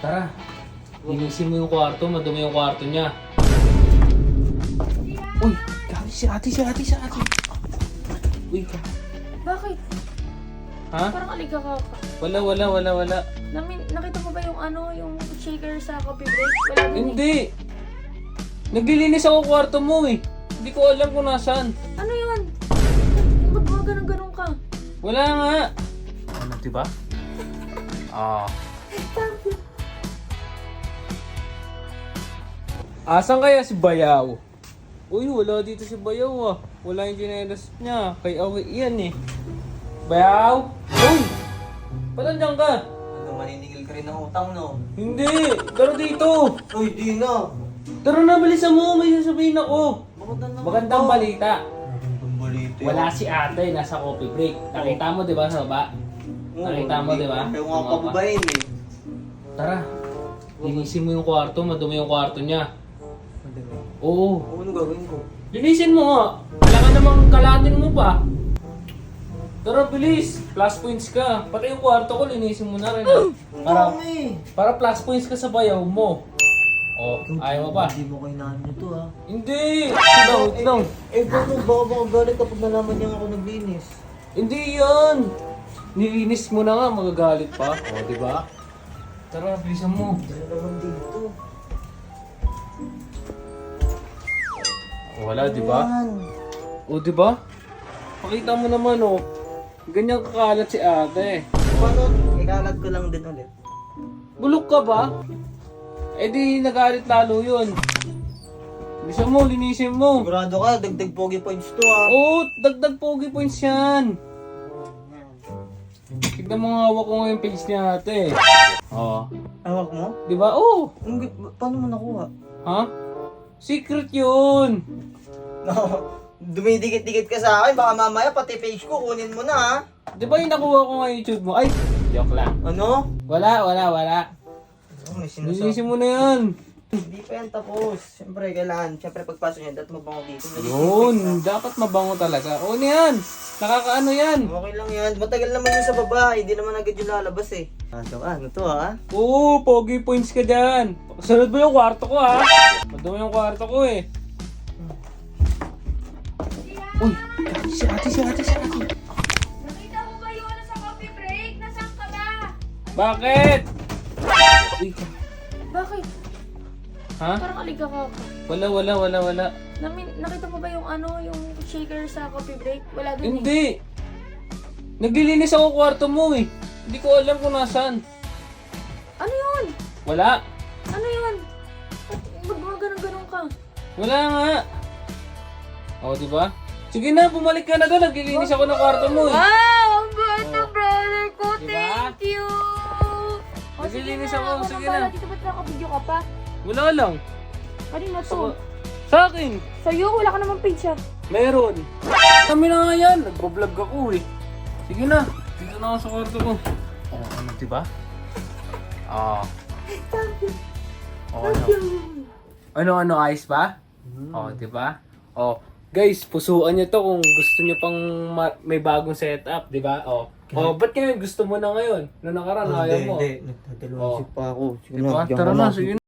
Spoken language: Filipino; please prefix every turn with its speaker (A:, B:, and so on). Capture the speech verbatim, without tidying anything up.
A: Tara, linisin mo yung kwarto, madumi yung kwarto niya. Uy, gabi si ate, si ate, si ate. Uy, ka.
B: Bakit?
A: Ha?
B: Parang aliga ka pa.
A: Wala, wala, wala, wala.
B: Namin, nakita mo ba yung ano, yung shaker sa coffee break? Wala din eh.
A: Hindi. Naglilinis ako kwarto mo eh. Hindi ko alam kung nasaan.
B: Ano yun? Ba't mga ganun-ganun ka?
A: Wala nga. Ano, diba? Ah. Asan kaya si Bayaw? Uy, wala dito si Bayaw ah. Wala yung ginelas niya. Kay Awi yan eh. Bayaw? Uy! Ba't nandiyan ka?
C: Ano, maninigil ka rin ng utang, no?
A: Hindi! Tara dito!
C: Uy, di na!
A: Tara na, bilisan mo! May sasabihin ako!
C: Bakit na naman
A: Magandang
C: to?
A: balita.
C: Magandang balita.
A: Wala si ate, nasa coffee break. Nakita mo diba sa baba?
C: Oo,
A: Nakita mo, di ba?
C: Ayaw nga pababayin eh.
A: Tara, linisin mo yung kwarto, madumi yung kwarto niya.
C: Madami.
A: Oo.
C: Oo, ano gagawin ko?
A: Linisin mo nga. Kailangan namang kalatin mo pa. Tara, bilis. Plus points ka. Pati yung kwarto ko, linisin mo na rin. ah. Para,
C: Mami!
A: para plus points ka sa bayaw mo. O, ayaw mo pa?
C: Hindi mo kailangan nito ah.
A: Hindi! Wait lang, wait lang.
C: Eh, paano? Baka baka galit kapag nalaman niya ako naglinis.
A: Hindi yan! Nilinis mo na nga, magagalit pa. O, di ba? Tara, bilisan mo.
C: Dala naman dito.
A: Wala, di ba?
C: Yan.
A: O, di ba? Pakita mo naman, oh. Ganyan kakalat si ate.
C: Paano? Ikalat ko lang din ulit.
A: Bulok ka ba? Eh di, nagalit lalo yun. Bisa mo, linisin mo.
C: Sigurado ka, dagdag pogi points to ah.
A: Oo, dagdag pogi points yan. Tignan mo nga, hawak ko nga yung page ni ate. Oo.
C: Hawak mo?
A: Di ba? Oo.
C: Ang gi- Paano mo nakuha?
A: Ha? Secret yun.
C: No, dumidikit-dikit ka sa akin, baka mamaya pati page ko kunin mo na ha.
A: Di ba yung nakuha ko nga YouTube mo? Ay, joke lang.
C: Ano?
A: Wala, wala, wala.
C: Oh, may sinasabi.
A: Linisin mo na yan.
C: Hindi pa yan tapos. Siyempre, kailangan. Siyempre, pagpasok niya, dapat mabango dito.
A: Yun, dapat mabango talaga. O yan, nakakaano yan.
C: Okay lang yan. Matagal naman yun sa baba. Hindi naman agad yung lalabas eh. Ano ah, ano to ha?
A: Oo, pogi points ka dyan. Sunod mo yung kwarto ko ha. Madumi yung kwarto ko eh. Uy, si ate, si ate, si ate.
B: Nakita mo ba yung ano sa coffee break? Nasaan ka ba?
A: Bakit? Uy, ka.
B: Bakit?
A: Ha?
B: Parang aliga ka pa.
A: Wala, wala, wala, wala.
B: Namin, nakita mo ba yung ano, yung shaker sa coffee break? Wala din eh.
A: Hindi. Naglilinis ako kwarto mo eh. Hindi ko alam kung nasaan.
B: Ano yun?
A: Wala.
B: Ano yun? Ba't mga ganun-ganun ka?
A: Wala nga. O, di ba? Sige na, bumalik ka na doon. Naglilinis ako ng kwarto mo eh.
B: Wow! Ang bait na
A: Oh.
B: brother ko!
A: Diba?
B: Thank you! O,
A: Naglilinis
B: sige na,
A: ako,
B: ako
A: sige
B: nang bahala.
A: na.
B: Dito ba't nakabidyo ka pa?
A: Wala lang.
B: Kanina to.
A: Ako- Sa akin.
B: Sa'yo, wala ka namang page ah.
A: Meron. Kami na nga yan. Nagbablog ako eh. Sige na. Dito na ako sa kwarto ko. Oh, ano, diba? Ah. Oh, ano? Ano, ano, ayos ba? Oh, diba? Oh, guys, pusuan nyo to kung gusto nyo pang ma- may bagong setup, diba? Oh. Oh, ba't ngayon gusto mo na ngayon? Nung nakaraan, ayaw mo.
C: Hindi, nagdadalawang
A: Oh.
C: isip pa ako. Sige
A: Diba?
C: na, bigyan
A: Tara
C: ko
A: na,
C: lang.
A: sige na.